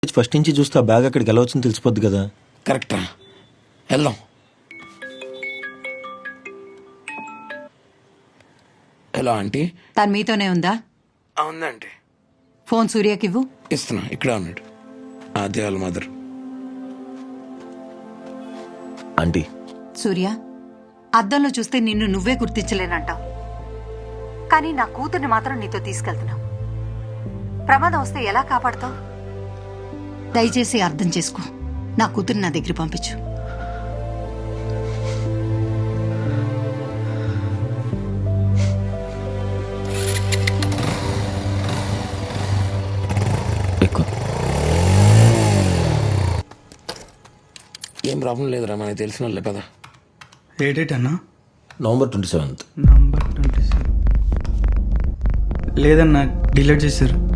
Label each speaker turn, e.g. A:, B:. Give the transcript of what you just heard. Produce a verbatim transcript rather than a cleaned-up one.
A: First నుంచి చూస్తే ఆ బ్యాగ్ అక్కడికి ఎలా వచ్చిందో తెలిసిపోద్ది కదా.
B: కరెక్టా, వెళ్దాం. Hello aunty.
C: తను మీతోనే ఉందా?
B: అవునండి.
C: ఫోన్ సూర్యకి ఇవ్వు.
B: ఇస్తున్నా, ఇక్కడే ఉన్నాడు. అదే వాళ్ళ మదర్.
A: ఆంటీ,
C: సూర్య, అద్దంలో చూస్తే నిన్ను నువ్వే గుర్తించలేనంటావు, కానీ నా కూతుర్ని మాత్రం నీతో తీసుకెళ్తున్నావు. ప్రమాదం వస్తే ఎలా కాపాడుతావు? దయచేసి అర్థం చేసుకో. నా కూతుర్ని నా దగ్గర పంపించు.
A: ఎక్కువ
B: ఏం ప్రాబ్లం లేదురా, మనకి తెలిసిన వాళ్ళే కదా.
D: ఏ డేట్ అన్నా?
A: November twenty seventh.
D: Number twenty seven లేదన్నా, డిలీట్ చేశారు.